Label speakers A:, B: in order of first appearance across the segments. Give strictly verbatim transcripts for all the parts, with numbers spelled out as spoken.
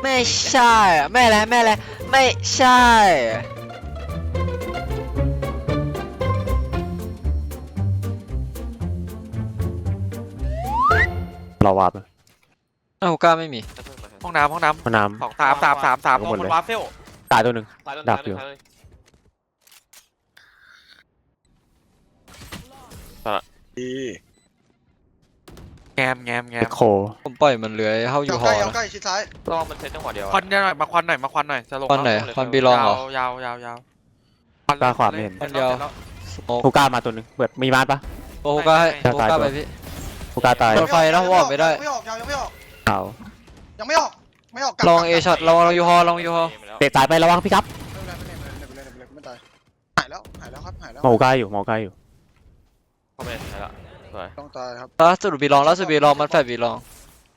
A: ไม่ใช่ไม่แล้วไม่แล้วไม่ใช่
B: เราวาร์ป
A: อ้าวก้าไม่มี
C: ห้องน้ำห้องน้
B: ห้องน้
C: ำสองสามสามสามสาม
B: เอา
C: ม
B: หม
C: อ
B: ด
C: ง
B: เลย
C: บนวาร์เฟล
B: ำตายตัวหนึ่ง
D: ตายแล้ว
B: ดักอยู่
D: ตายเลย
E: ดี
C: แงมแงมแง
B: เอ็
C: ม
B: กโค
A: ผมปล่อยมันเลื้อยเข้าอยู่
E: เอา
A: ห
E: ใก
A: อ
E: ล้เอา
A: นะ
E: ใกล้ชิดซ้าย
D: ต้องมันเซตจังหวะเดียว
C: ควันหน่อยมาควันหน่อยมาควันหน่อยจะลง
A: ควันไหนควันบีลองเหรอย
C: าวยาวยาวยาว
B: กล้าขวาไม่เห็น
A: ควันเดียวสโมก
B: ฮูก้ามาตัวหนึ่งเปิดมีบ้านปะ
A: โอ้โหก้าให้โอ้โหก้าไปพี่
B: ฮูก้าตาย
A: โดนไฟนะผมออกไม่ได้
E: ยังไม่ออกยังไม่ออก
B: เอา
E: ยังไม่ออกไม่ออกกลับ
A: ลองเอช็อตลองลองยูฮอลองยูฮอ
B: เตะสายไประวังพี่ครับ
E: ไม่เป็นไรไม่เป็นไรไม่เป็นไรไม่ตายหายแล้วหายแล้วครับหายแล้ว
B: มองฮูก้าอยู่มองฮูก้าอยู่
D: เข้าไปได้ละสวย
E: ต้องตายครับ
A: ล่าสุดบีลองล่าสุดบีลองมันแฟดบีลอง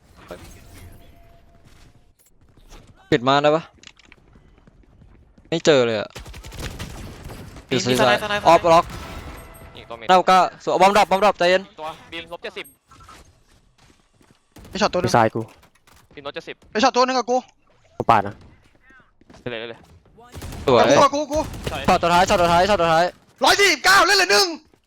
A: ปิดมาได้ปะไม่เจอเลยอะอ
C: มี
A: ยู่
C: มี
A: ซี
C: ส
A: ไซ
C: ไน
A: ด์
C: ด์สไนด์
A: ออฟล็อก
D: อีกตัวเมน
A: หน้าก้าสวยบอมดรอปบอมดรอปใจเย็น
D: ตัวบีมลบเจ็ดสิบ
E: ไอช็อตตัวนึ
B: พี่
E: ง
B: ชายกู
D: บีมลบเจ็ดสิบ
E: ไอช็อตตัวนึงกับกู
B: กูปาดนะ
D: เลยเลยเลย
A: สวย
E: กับกูกับกูกู
A: ช็อตตัวท้ายช็อตตัวท้ายช็อตตัวท้าย
E: ร้อยสี่สิบเก้าเล่นเลยหนึ่ง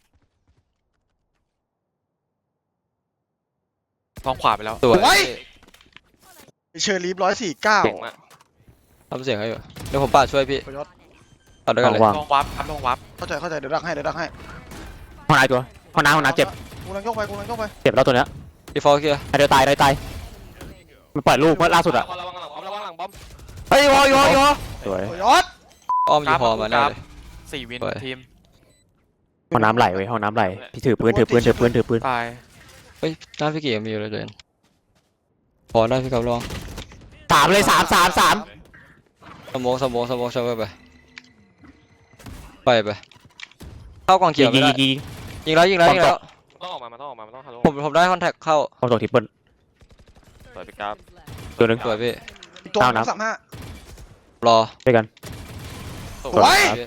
C: ลองขวาไปแล้ว
A: สวย
E: ไว้เชอร์ลีฟร้อยสี่เก้า
D: เก่งมาก
A: ทำเสียงให้อยู่เดี๋ยวผมปาดช่วยพี่
E: ประยศ
A: ปาดด้วยกันเลย
B: วาง
C: ลองวับครับลองวับ
E: เข้าใจเข้าใจเดี๋ยวดักให้เดี๋ยวดักให้
B: ห้องน้ำตัวห้องน้ำห้องน้ำเจ็บ
E: กูลังยกไปกูลังยกไป
B: เจ็บแล้วตัวเนี้ย
A: ดีฟอลเคลียร์
B: เดี๋ยวตายเดี๋ยวตายมันปล่อยลูกเมื่อล่าสุดอะ
D: ระวังหลังบอมระวังหลังบอม
A: เฮ้ยยูฮอยูฮอยูฮอ
B: สวย
E: ประยศ
A: อ้อมยูฮอมาแน่เลย
C: สี่วิน
A: สวย
C: ทีม
B: ห้องน้ำไหลเว้ยห้องน้ำไหลพี่ถือปืนถือปืนถือปืนถือปืน
C: ตาย
A: เฮ้ยหน้าพี่เกียร์มีอยู่เลยเดินพอได้พี่กับลอง
B: สามเลยสามสามสาม
A: สมองสมองสมองช่วยไปไปไปเข้ากองเขี
B: ยิ
A: ยว
B: ง
A: ไม่
B: ยิง
A: ได้
B: ยิงยิง
A: ยิงแล้วยิงแล้วยิงแล้ว
D: ต้องออกมามันต้องออกมามันต้องฮัลโหล
A: ผมผมได้คอนแทคเข้า
B: ความตกทิปเปิล
D: สวยพี่กราฟ
B: ตัวหนึ่ง
A: สวยพี่
E: อีกตัว
B: เอา
E: นึ
B: นะ
E: งสามห้าร
A: อ
B: ด้วยกัน
D: สว
E: สวย
D: ย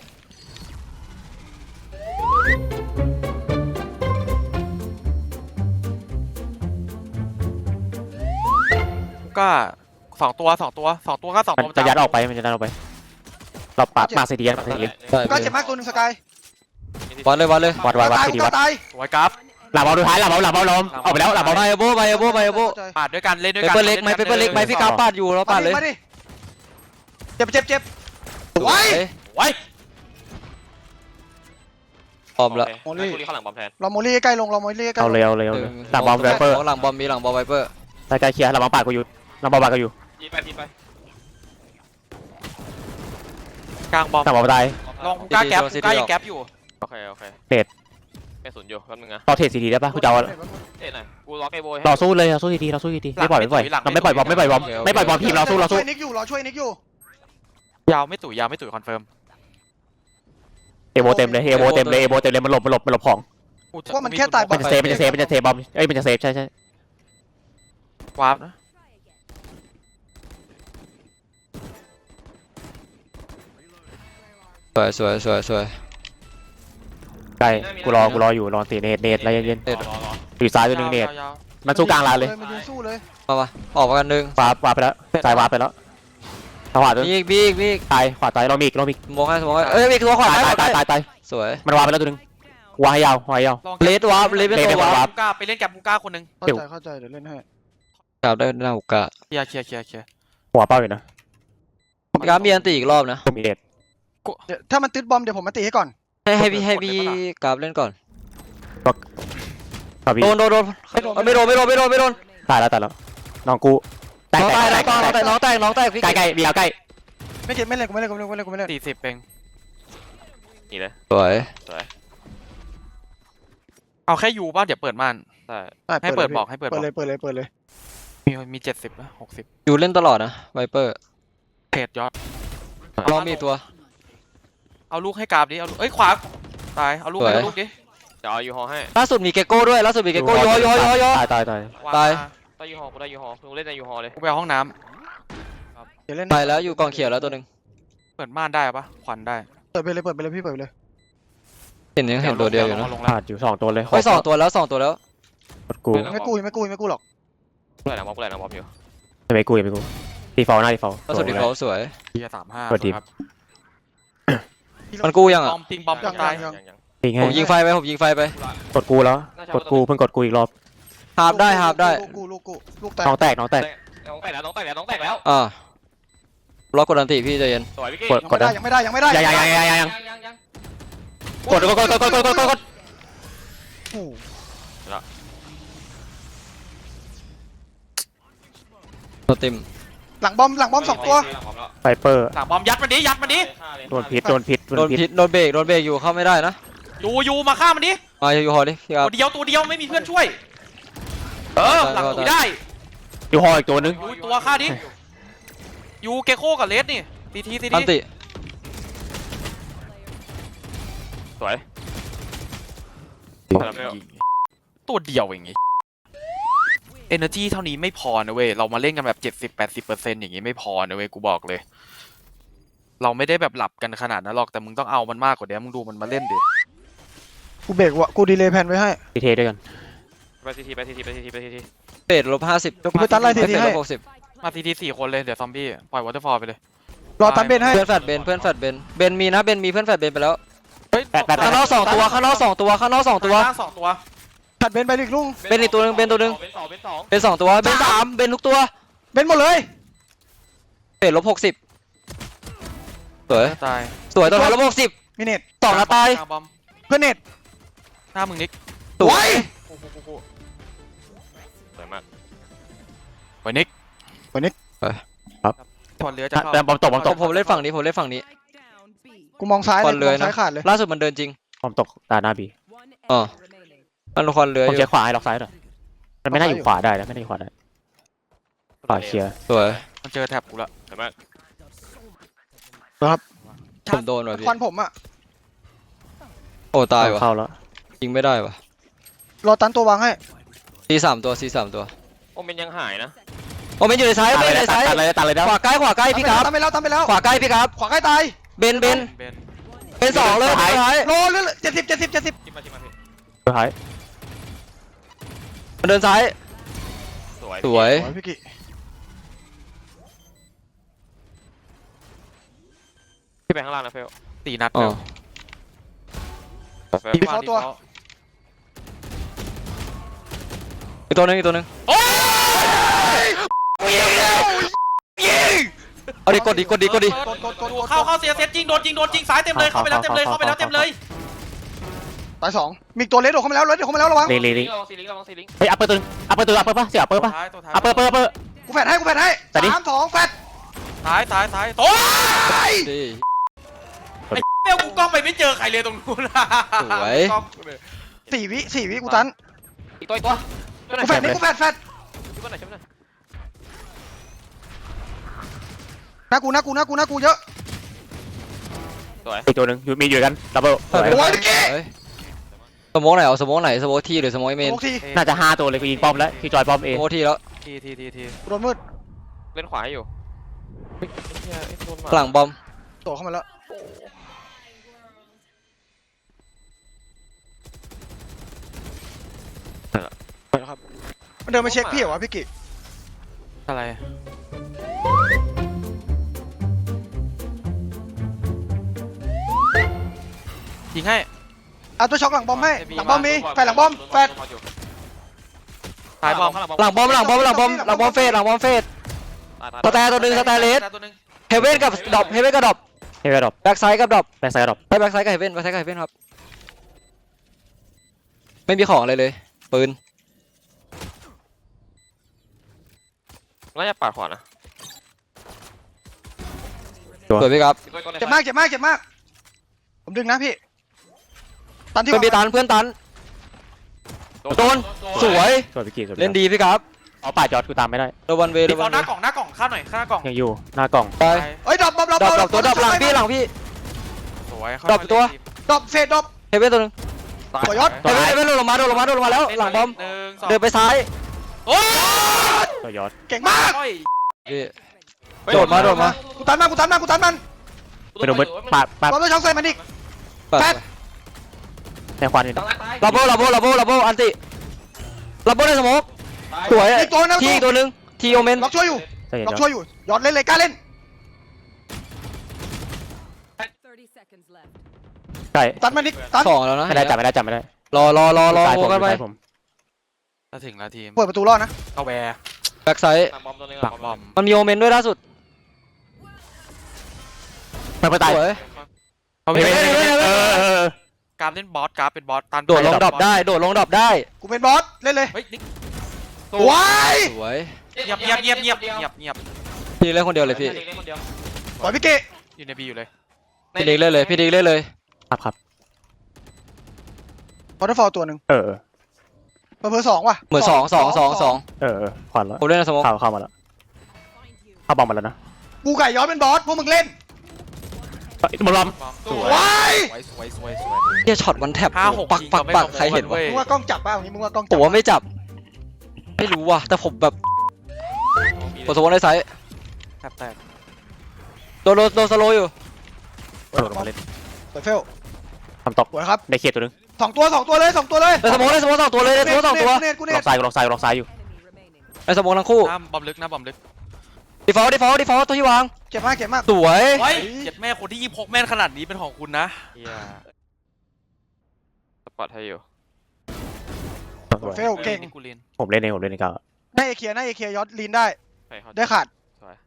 C: ก็สองตัวสองตัวสองตัวก็สอง
B: มัน
C: ตัว
B: จะยัดออกไปมันจะยัดออกไปเราปาดมาเสียดีมาเสียดี
A: ได้
E: ก็
A: พี่
E: เจ็บมากตัวนึงสกาย
A: วัดเลยวัดเลย
B: วัดวัดวัด
E: ตาย
B: เสียดี
E: ก็
B: วัด
E: ตาย
C: สวยครับ
B: หลับเอาดูท้ายหลับเอาหลับเอาลมออกไปแล้วหลับเอา
A: ไปโบไปโบไปโบไปโบ
C: ปาดด้วยกันเล่นด้วย
A: เป
C: กัน
A: เปอร์เล็กไหมเปเปอร์เล็กไหมพี่กาปาดอยู่เราปาดเลย
E: มาดิเจ็บเจ็บเจ็บไว้
C: ไว้
A: พร้อมละ
D: โอเคงั้นกูรีเข้าหลังบอมแทน
E: เราโมลี่ใกล้ลงเราโมลี่ใกล้
B: เอา
E: ลง
B: เลยเอาเลยเอาเลยหลังบอมไวเปอร์
A: หลังบอมมีหลังบอมไวเปอร์
B: ใกล้เคลียร์หลังบอมปาดกูอยู่หลังบอมปาดกูอยู่
D: ยิงไปยิงไป
C: กลางบอม
B: หลังบอมตาย
C: ลองกล้าแก๊ปกล้ายิงแก๊ปอยู่
D: โอเคโอเค
B: เน็ต
D: เป็นศูนย์อยู่แป๊บนึงนะ
B: ต่อเทรดซีดีได้ปะกูจะเอา
D: เอ๊ะหน่อยกูล็อกไอ้โบให้
B: ต่อสู้เลยเราสู้ดีๆเราสู้ดีๆไม่ปล่อยไม่ปล่อยเราไม่ปล่อยบอมไม่ปล่อยบอมไม่ปล่อยบอมทีมเราสู้เราสู้
E: ช่วยนิกอยู่รอช่วยนิกอยู่
C: ยาวไม่ตุ๋ยยาวไม่ตุ๋ยคอนเฟิร์ม
B: เอโบเต็มเลยเอโบเต็มเลยเอโบเต็มเลยมันหลบมันหลบมันหลบของ
E: เพราะมันแค่ตายบอ
B: มันจะเซฟมันจะเซฟมันจะเซฟบอมเอ้ยมันจะเซฟใช่ใช่
C: วาร์ปนะ
A: สวยสวยสวยสวย
B: ใกล้กูรอกูรออยู่รอตีเนตเนตอะไรเย็น
D: รอรอรอ
B: ๆอยู่ซ้ายตัวหนึ่งเนต
C: ยาว
B: มันสู้กลางลานเลย
E: มันยืนสู้เลย
A: มามาออกมากันหนึ่ง
B: วาร์ปวาร์ปไปแล้วซ้ายวาร์ปไปแล้วขวาตัว
A: มีอีกมีอีกมีอีก
B: ตายขวาตายเรามีอีกเรามีอีก
A: สมองให้สมองให้เอ้ยมีตัวขวา
B: ตายตายตายตายตาย
A: สวย
B: มันวาร์ปไปแล้วตัวหนึ่งวางให้ยาววางให้ยาว
C: ลอง
A: เลดวาร์ปเลดเป็น
B: เลด
A: ตัว
B: เป็น
A: วาร์ป
C: มุก้าไปเล่นแก๊ปมุก้าคนหนึ่ง
E: เข้าใจเข้าใจเดี๋ยวเล่นให้
A: ครับได้หน้าหุกกะ
C: เคลียร์เคลียร์เคลียร์เคลียร์
B: หัวเป้าอยู่นะ
A: พี่กราฟมีอันตีอีกรอบนะ
B: ผมมีเดท
E: เดี๋ยวถ้ามันติดบอมเดี๋ยวผมมาตีให้ก่อน
A: ให้ให้พี่ให้พี่กราฟเล่นก่อน
B: ครับพี่
A: โดนโดนโดนไม่โดนไม่โดนไม่โดนไม่โดน
B: ตายแล้วตายแล้วน้องกูแตก
A: น้อง
B: แต
A: ตาย
B: ก
A: น้อง
B: แต
A: ตาย
B: ก
A: น้องตายน้องตายพี่
B: ใกล้ใกล้มียาวใกล้
E: ไม่เก็บไม่เล่นกูไม่เล่นกูไม่เล่นกูไม่เล่นกูไม่เล่น
C: สี่สิบเอง
D: นี่เลย
A: สวย
D: สวย
C: เอาแค่ยูป่ะเดี๋ยวเปิดม่าน
D: ใช่
C: ให้เปิดบอกให้เปิดบ
E: เปิ
C: อ
E: ด
C: ก
E: เลยเปิดเลยเปิดเลย
C: มีมีเจ็ดสิบนะหกสิบ
A: อยู่เล่นตลอดนะไวเปอร์
C: เทรดยอด
A: รอมีตัว
C: เอาลูกให้กราฟดิเอาลูกเอ้ยขวาตายเอาลูกให้
A: สวย
C: เอาลูกดิ
D: เดี๋ยวเอายูฮอให้
A: ล่าสุดมีเกโก้ด้วยล่าสุดมีเกโก้ยอยอยอยอ
B: ตายตายตาย
C: วง
A: ตาย
C: ม
D: ได้ยูฮอกูได้ยูฮอกูเล่นในยูฮอเลย
C: กูไปเอาห้องน้
E: เดี๋ยวเล่น
A: ไปแล้วอยู่กองเขียวแล้วตัวหนึ่ง
C: ำเปิดม่านได้ปะขวัญได้
E: เปิดไปเลยเปิดไปเลยพี่เปิดไปเลย
A: เห็นยังเห็นตัวเดียวอยู่นะ
C: ลง
B: พ
C: แล้ว
B: ลาดอยู่สองตัวเลย
A: ไปสองตัวแล้วสองตัวแล้ว
B: กดกู
E: ไม่กู้ไม่กู้ไม่กู้หรอก
D: กูไหลหลังบอมกูไหลหลังบอมอยู่
B: ไม่ไปกูอย่าไปกูดีฟอลหน้าดีฟอล
A: ล่าสุดดีเขาสวย
C: เฮียสามห้า
B: สวัสดี
C: ครับ
A: มันกู้ยัง
C: บ
A: อ่ะ
C: อมปิงบอม
E: ยัง
C: ตาย
E: ยัง
D: ยังยัง
B: จริง
A: ผมยิ
B: ให้
A: งไฟไปผมยิงไฟไป
B: กดกูแล้วกดกูเพิ่งกดกูอีกรอบ
A: หาบได้หาบได้
E: ลูกกูลูกกูลูกแตก
B: น้องแตกน้องแตก
D: น้องแตกแล้วน้องแตกแล้วน้องแตกแล้ว
A: อ่าล็อกกดอันติพี่ใจเย็น
D: สวยพี่กี้
B: กด
E: ยังไม่ได้ยังไม่ได้ยังไม่ได้
B: ยังยังยังยังยังยัง
D: ยังยัง
B: กดกดกดกดกดกดกดกดกด
E: โอ้โห
A: โนติม
E: หลังบอมหลังบอมสองตัว
B: ไฟเปอร์
C: หลังบอมยัดมันดิยัดมันดิ
B: โดนพิษโดนพิษ
A: โดนพิษโดนเบรกโดนเบรกอยู่เข้าไม่ได้นะ
C: อยู่อยู่มาฆ่ามันดิ
A: มาอยู่หอดิพี่ครับ
C: ตัวเดียวตัวเดียวไม่มีเพื่อนช่วยเออหลังกูได้
B: อยู่หออีกตัวนึง
C: อยู่ตัวฆ่าดิอยู่เกโคกับเลสนี่ทีทีที
A: อัน
C: ที
A: ติ
D: สวย
C: ตัวเดียวอย่างงี้เอเนอร์จีเท่านี้ไม่พอนะเว้ยเรามาเล่นกันแบบเจ็ดสิบแปดสิบเปอร์เซ็นต์อย่างงี้ไม่พอนะเว้ยกูบอกเลย เราไม่ได้แบบหลับกันขนาดนั้นหรอกแต่มึงต้องเอามันมากกว่านี้มึงดูมันมาเล่นดิ
E: กูเบรกวะกูดีเลย์แพนไว้ให้
B: ทีเทด้วยกัน
D: ไปทีทีไปทีทีไปทีทีไปทีที
A: เบรกลบห้าสิบ
E: เดี๋ยวกูไปตัดไล่ที
A: เบร
E: ที
A: กล
E: ให้
A: บหกสิบ
C: มาทีทีสี่คนเลยเดี๋ยวซอมบี้ปล่อยวอเตอร์ฟอลไปเลย
E: รอตันเบนให้
A: เพื่อนแฟดเบนเพื่อนแฟดเบนเบนมีนะเบนมีเพื่อนแฟดเบนไปแล้ว
C: เฮ้ย
A: ข้างนอกสองตัวข้างนอกสองตัวข้างนอกสองตัว
C: ล่างสองตัว
E: ตัดเบนไปอีกลุง
A: เบนอีกตัวหนึงเบนตัวหนึง
D: เป็นสองเป็นสอง
A: เบนสองตัวเบนสามเบนทุกตัว
E: เบนหมดเลย
A: เบนลบหกสิบสวย
C: ตาย
A: สวยตัวท้ายลบหกสิบ
E: มิเนต
A: สองนาตาย
C: หน้บอม
E: เพื่อนเน็ต
C: หน้ามึงนิก
A: สวย
C: โอ้โหโอ้โห
D: สวยมาก
C: ไว้นิก
E: ไว้นิก
C: ถอนเรือจะเข้า
B: แต่บอมตกบอมต
A: ผ
B: ก
A: มผมเล่นฝั่งนี้ผมเล่นฝั่งนี้
E: กูมองซ้าย
A: บ
E: เล
A: อย ล
E: กู
A: เล
E: ม
A: ย
E: อง
A: นะ
E: ซ้ายขาดเลย
A: ล่าสุดมันเดินจริง
B: บอมตกตาหน้าบี
A: อ๋อมันละครเรือ
B: ผม
A: อ
B: เช็
A: ยู่
B: คขวาให้ล็อกซ้ายหน่อยมันไม่น่าอยู่ขวาได้นะไม่น่าอยู่ขวาได้ขวาเคลียร์
A: สวย
C: มันเจอแท็บกูละ
D: สวยมาก
A: ผมโดนว่ะพี่
E: ควันผมอ่ะ
A: โอ้ตายว่ะ
B: เข้าแล้ว
A: ยิงไม่ได้ว่ะ
E: รอตันตัววางให้
A: ซีสามตัวซีสามตัว
D: โอ้เป็นยังหายนะ
A: โอ้เบนอยู่ในซ้าย
B: ตัด
A: เบน
B: เล
A: ใน
B: ยตั
A: ซ้าย
B: ดเลยตัดเลยนะ
A: ขวาใกล้ขวาใกล้พี่ครับ
E: ตันไปแล้วตันไปแล้ว
A: ขวาใกล้พี่ครับ
E: ขวาใกล้ตาย
A: เบนเบน
C: เบน
A: เบนสองเลยสุดท้าย
E: โลเลือดเจ็ดสิบเจ็ดสิบเจ็ดสิบ
D: จิ้มมาจิ้มมาพี่
B: สุดท้าย
A: มันเดินซ้าย
D: สวย
A: สวย
E: โอ้ยพี่กิ
D: พี่ไปข้างล่างนะเฟล
C: ตีนัด
A: อ๋อ
C: เฟล
E: มีเขาตัว
A: อีกตัวหนึงอีกตัวหนึงเอาดิกดดิกดดิกดดิ
E: กดกดกดกด
C: เข้าเข้าเสียเซตจริงโดนจริงโดนจริงซ้ายเต็มเลยเข้าไปแล้วเต็มเลยเข้าไปแล้วเต็มเลย
E: ตายสองมีอีกตัวเลสโดดเข้ามาแล้วเลสโดดเข้ามาแล้วระวัง
B: ลีลีลี
D: ระวังซีลิงระวังซีลิง
B: เฮ้ยอัปเปอร์ตัวอัปเปอร์ตัวอัปเปอร์ป่ะเสียอัปเปอร์ป่ะ
C: ท้ายตัวท้าย
B: อัปเปอร์เปอร์เปอร์
E: กูแฟดให้กูแฟดให้
B: แต่ดิ
E: สามสองแฟด
C: ท้ายท้ายท้ายโอ้ย
A: ดิ
C: เฟลกูกล้องไปไม่เจอใครเลยตรงนู้น
A: สวย
C: กล้องกูเลย
E: สี่วิสี่วิกูตัน
D: อีกตัวอีกตัวช่วยหน่
E: กู
D: อย
E: แฟดนี่กูแฟดแฟด
D: ช่วยหน่อยช่วยหน่อย
E: หน้ากูหน้ากูหน้ากูหน้ากูเยอะ
D: สวย
B: อีกตัวหนึ่งอยู่มีอยู่กันดับเบิล
E: โอ้ยพี่กี้
A: เฮ้ยสโมองไหนเอาสโมองไหนสโมองทีหรือสโมองเมน
E: โอ้ที
B: น่าจะห้าตัวเลยกูยิงป้อมแล้วคือจอยป้อมเอ
A: สโมองทีแล้ว
C: ทีทีทีที
E: กูโดนมืด
D: เล่นขวาให้อยู่เฮ้ยไอ้เหี้ยไอ้โดนมา
A: หลังบอม
E: โดดเข้ามาแล้วไปแล้วครับมันเดินมาเช็คพี่เหรอวะพี่กิ
C: อะไรยิงให้
E: เอาตัวช็อกหลังบอมให้หลังบอมมีแฟดหลังบอมแฟด
C: ท้ายบอม
A: หลังบอมหลังบอมหลังบอมหลังบอมเฟสหลังบอมเฟสสแตนตัวหนึ่งสแตนเลส
C: ตัวหนึ่ง
A: เฮเว่นกับดรอปเฮเว่นกับดรอป
B: เฮ้ยดรอป
A: แบ็กไซด์กับดรอป
B: แบ็กไซด์ดรอป
A: ไปแบ็กไซด์กับเฮเว่นแบ็กไซด์กับเฮเว่นครับไม่มีของอะไรเลยปืน
D: น่าจะปาดขวานะ
A: สวยพี่ครับ
E: เจ็บมากเจ็บมากเจ็บมากผมดึงนะพี่ตันที่
A: เพื่อนพี่ตันเพื่อนตันโดนสวย
B: สวยพี่กีสวย
A: เล่นดีพี่ครับ
B: เอาป่าจอดกูตามไม่ได้
A: โดวันเวย์โด
C: ดีฟ
A: วั
C: อน ล
A: เว
C: หน้า
A: ย์
C: กล่องหน้ากล่องข้ามหน่อยข้างหน้ากล่อง
B: ยังอยู่หน้ากล่อง
A: ไป
E: เอ้ยดรอปดรอปดรอป
A: ดรอปดรอปตัวดรอปหลังพี่หลังพี่
C: สวย
A: ดรอปตัว
E: ดรอปเฟดดรอป
A: เฮเว่นตัวหนึง
E: สวยยศ
A: เฮเว่นเฮเว่นโดนลงมาโดนลงมาโดนลงมาแล้วหลังบอม
C: หนึ่งสอง
A: เดินไปซ้าย
C: โอ้ย
B: ตัวยอด
E: เก่งมาก
A: พี่โดดมาโดดมา
E: กูตันมันกูตันมันกูตันมัน
B: ไปดูมืดป่าป่า
E: บอมตัวช็อกใส่มันอีก แฟด
B: ในควันอยู่นะ
A: ลับโบลับโบลับโบลับโบอันติลับโบในสโมกสวย
E: อีกตัวนึง
A: ทีอีกตัวหนึงทีโอเมน
E: ล็อกช่วยอยู่
B: ใส่เย็น
E: ล็อก
B: เดี๋ยว
E: ช่วยอยู่ยอดเล่นเลยกล้าเล่น
F: thirty seconds left.
B: ใช่
E: ตัดมานิกตัด
A: สองแล้วนะ
B: ไม่ได้จับไม่ได้จับไม่ได้
A: รอรอรอรอ
B: ซ้าย
A: โฟ
B: ผม
A: กัสไป
B: ซ้ายผม
C: ถ้าถึงแล้วทีม
E: เปิดประตูรอดนะ
C: เข้าแวร์
A: แบ็กไซด์
D: หลังบอมตัวนึง
C: หลังบอม
A: มันมีโอเมนด้วยล่าสุด
B: ไม่ไปตาย
A: สวย
C: เข้าแว
B: เฮ้ย
C: ร์
B: เฮ้ยเฮ้ยเออเออ
C: การเล่นบอสการเป็นบอสตัน
A: โดดลงดรอปได้โดดลงดรอปได้
E: กูเป็นบอสเล่นเลย
C: เฮ้ยนิก
E: ว้าย
A: สวย
C: เงียบเงียบเงียบเงียบเงียบเงียบ
A: พี่เล่นคนเดียวเลยพี่
D: เล่นคนเดียว
E: ปล่อยพี่เกะ
C: อยู่ในบีอยู่เลย
A: พี่ดิกเล่นเลยพี่ดิกเล่นเลย
B: ครับครับ
E: พอร์ตฟอลตัวหนึ่ง
B: เออเออ
E: เพอเพอสองว่ะ
A: เหมือนสองสองสองสอง
B: เออเออขวัญแล้ว
A: ผมเล่นในสโมอง
B: เข้าเข้ามาแล้วเข้าบอมมาแล้วนะ
E: กูไก่ย้อนเป็นบอสพวกมึงเล่น
B: บอลลอม
C: สวย
E: ว้าย
C: สวยสวยสวยสวย
A: เฮียช็อตวันแท็บ
C: ห้าหก
A: ปัก
C: ยิง
A: ปัก
C: เราไม่
A: ปัก
C: ลง
A: ใครเห็นวะ
C: เว้ย
E: มึงว่ากล้องจับป่ะอย่างนี้มึงว่ากล้อง
A: ผ
E: จั
A: มว่าไม่จับไม่รู้ว่ะแต่ผมแบบกดสโมองในไซส์
C: แทบแตก
A: โดนโดนโดนสโลว์อยู่
B: โดดลงมาเล่น
E: เปิดเฟล
B: ทำตก
E: สวยครับ
B: ได้เคลียร์ตัวนึง
E: สองตัวสองตัวเลยสองตัวเลย
A: ในสโมองในสโมองสองตัวเลยในสโมองสองตัว
E: กูเนตกูเน
B: ล็
E: ต
B: อกซ้ายล็อกซ้ายล็อกซ้ายอยู่
A: ในสโมองทั้งคู่
C: หน้าบอมลึกหน้าบอมลึก
A: ดีฟอลต์ดีฟอลต์ดีฟอลต์ตัวที่วาง
E: เจ็บมากเจ็บมาก
A: สวย
C: เฮ้ยเจ็ดแม่คนที่ยี่หกแม่นขนาดนี้เป็นของคุณนะ
D: เฮียสปอร์ตให้อยู่
E: เฟลเก่ง
C: นี่กูเรียน
B: ผมเล่นเองผมเล่นเองก็
E: หน้าเอเคียหน้าเอเคียย้อนลีนได้
D: ไปเข้า
E: ได้ขาด
D: สวย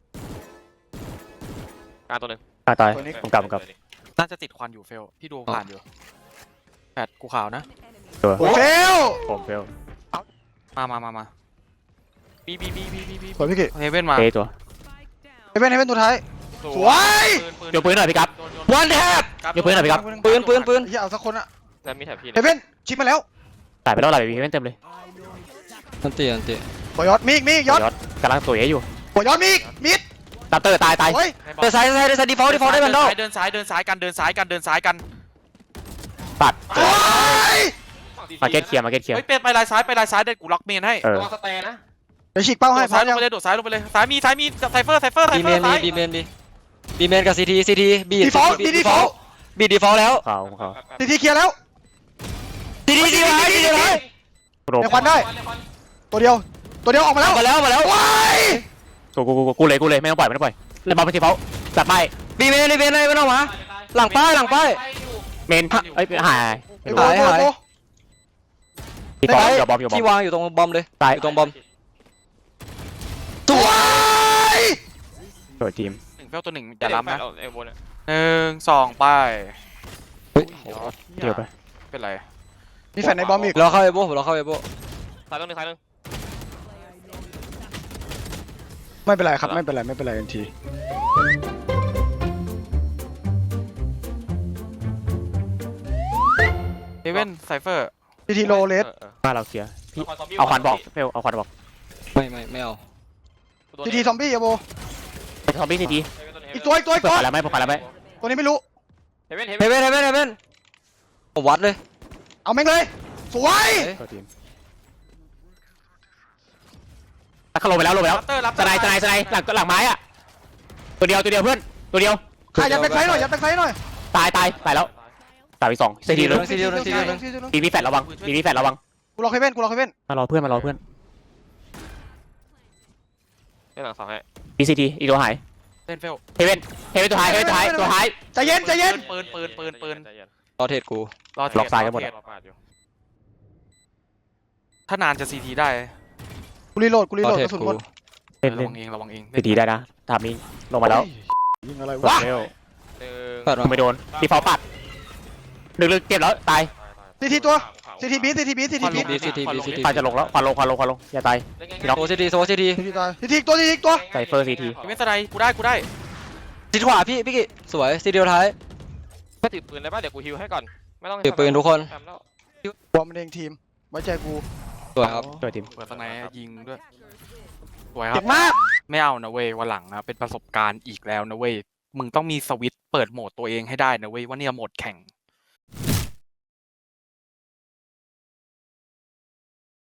D: กลางตัวหนึ่ง
B: ตายตาย
E: ตัวนี้
B: ผมกลับผมกลับ
C: น่าจะติดควันอยู่เฟลพี่ดูผ่านอยู่แปดกูขาวนะ
B: ตัว
E: โอ้เฟล
B: ผมเฟล
C: มามามามา
D: บีบีบีบีบีบี
E: สวยพี่เกะ
C: เฮเว่นมา
B: เตะตัว
E: เฮเว่นเฮเว่นตัวท้าย สวย
B: เดี๋ยวปืนหน่อยพี่กั๊บ
A: วันแท็บ
B: ยกปืนหน่อยพี่ครับ
A: ปืนปืนปืน
E: อย่าเอาสักคนอะ
D: แล้วมีแถบพี่
E: เฮเว่นชิปมาแล้ว
B: ตายไปแล้วหลายวีเต็มเลย
A: อันตีอันตี
E: หัวยอดมีอีกมีอีกยอด
B: ยอดกำลังสวยอยู่
E: หัวยอดมีอีกมิด
B: ดับเตอร์ตายตาย
E: โอ้ย
A: เดินซ้ายเดินซ้ายเดินซ้ายดีฟอลต์ดีฟอลต์ได้แบนดอล
C: เดินซ้ายเดินซ้ายกันเดินซ้ายกันเดินซ้ายกัน
B: ตัด
E: โอ้ย
B: มาเก็ตเคลียร์มาเก็ตเคลียร์
C: เฮ้ยเป็นไปลายซ้ายไปลายซ้ายเดินกูล็อกเมนให้
B: เออ
D: ระวังสเตย์นะ
E: เดี๋ยวฉีกเป้า
C: โด
E: ให้
C: ด
E: พร้
C: ซ้า
E: อย ม
C: ล
E: ยัง ง
C: ไปเลยโดดซ้ายลงไปเลยซ้ายมีซ้ายมีไซเฟอร์ไซเฟอร์ไซ
A: บี
C: เฟ
A: เม
C: อร์
A: น
C: ซ้าย
A: บีเมนบีบีเมนกับซีทีซีทีบี
E: ดีฟอลต์ดีดีฟอลต์
A: บีดีฟอลต์แล้ว
B: เขาเขา
E: ทีทีเคลียร์แล้ว
A: ซีทีซีทีซีทีเลย
B: โรบ
E: ในควันได้ ตัวเดียว ตัวเดียวออกมาแล้ว
A: มาแล้วมาแล้ว
E: ว้าย
B: กูกูกูกูเลยกูเลยไม่ต้องปล่อยไม่ต้องปล่อยเลยบอลไปทีเขาจัดไป
A: บีเมนบีเมนเลยไม่ต้องมาหลังป้ายหลังป้าย
B: เมนเอ้ยหาย
E: ไอ้โบโบโบ
B: ทีบอลเดี๋ยวบอลเดี๋ยวบอ
A: ที่
B: ล
A: วางอยู่ตรงบอมเลย
B: ตาย
A: อยู่ตรงบอม
E: สวย
B: สวยทีม
C: หนึ่งเฟลตัวหนึ่งอย่าล้ำนะ
D: เอวบนอ่ะ
C: หนึ่งสองไป
A: เฮ้ย
B: เดี๋ยวไป
C: เป็นไร
E: มีแฟนในบอมอีก
A: เราเข้าเอโบเราเข้าเอโบ
D: ซ้ายตัวหนึ่งซ้ายตัวหนึ่ง
E: ไม่เป็นไรครับไม่เป็นไรไม่เป็นไรทันที
C: เฮเว่นไซเฟอร์
E: ทีทีโลเลส
B: มาเราเคลียร์พี่เอาควันบอกเฟลเอาควันบอก
A: ไม่ไม่ไม่เอา
E: ทีทีซอมบี้อะโบ
B: ทอมบี้ทีที
E: อีกตัวอีกตัวอีก
B: เปิด
E: ตัว
B: ขวาแล้วไม่เปิดขวาแล้วไม่
E: ตัวนี้ไม่รู้
D: เฮเว่นเฮ
A: เฮ
D: เว่น
A: เว่นเฮเว่นเฮเว่นผมวัดเลย
E: เอาแม่งเลย สวย
B: ตัวทีมถ้าเขาลงไปแล้วลงไปแล้ว
C: รับเตอร์รับ
B: สไนสไนสไนหลังหลังไม้อะตัวเดียวตัวเดียวเพื่อนตัวเดียว
E: อ่ะยัดแบ็คไซด์หน่อยยัดแบ็คไซด์หน่อย
B: ตายตายตายแล้วตายไปสองซีทีเลย
A: ซีเดียวนึงซีเดียวนึง
B: มีมีแฟดระวังมีมีแฟดระวัง
E: กูรอเฮเว่นกูรอเฮเว่น
B: มารอเพื่อนมารอเพื่อน
D: เล่นหลังสองให้
B: มีซีทีอีกตัวหาย
C: เล่นเฟล
B: เฮเว่นเฮเว่นตัวท้ายเฮเว่นตัวท้ายตัวท้าย
E: ใจเย็นใจเย็น
C: ปืนปืนปืนปืน
D: ใจเย็น
A: รอเทรดกู
C: รอ
B: ล็อกซ้ายกันหมด
C: เทร
D: รอปาดอยู่
C: ถ้านานจะซีทีได้
E: กูรีโหลดกูรี
A: ร
E: โห
A: อ
E: ลด
A: เทร
E: ก
A: ด
E: ระสุน
A: กู
E: หมด
B: เล่น
C: ระ
B: เล่น
C: วังเองระวังเอง
B: ซีทีได้นะทามิงลงมาแล้ว
E: ยิงอะไร
B: ว
E: วะ
B: เฟล
D: หนึ่ง
A: เปิดมา
B: ไม่โดนดีฟอลปัดลึกๆเก็บแล้วตาย
E: ทีทีตัวทีทีบีทีทีบีทีทีบี
A: บีซีทีบีซีที
B: ควันจะลงแล้วควันลงควันลงควันลงอย่าตาย
A: โซซีทีโซซีที
E: ทีทีตายทีทีอีกตัวทีทีอีกตัว
B: ไซเฟอร์ซีที
C: เฮเว่นสไนกูได้กูได้
A: ทิศขวาพี่พี่กิสวยซีเดียวท้าย
D: แค่ถือปืนได้ป่ะเดี๋ยวกูฮิวให้ก่อนไม่ต้อง
A: ถือปืนทุกคน
D: ทำแล้ว
E: บอมมันเองทีมไว้ใจกู
A: สวยครับ
B: ตัวทีม
C: เปิดสไนยิงด้วยสวยครั
E: เจ็
C: บบ
E: มาก
C: ไม่เอานะเว้ยวันหลังนะเป็นประสบการณ์อีกแล้วนะเว้ยมึงต้องมีสวิตช์เปิดโหมดตัวเองให้ได้นะเว้ยว่าเนี่ยโหมดแข่ง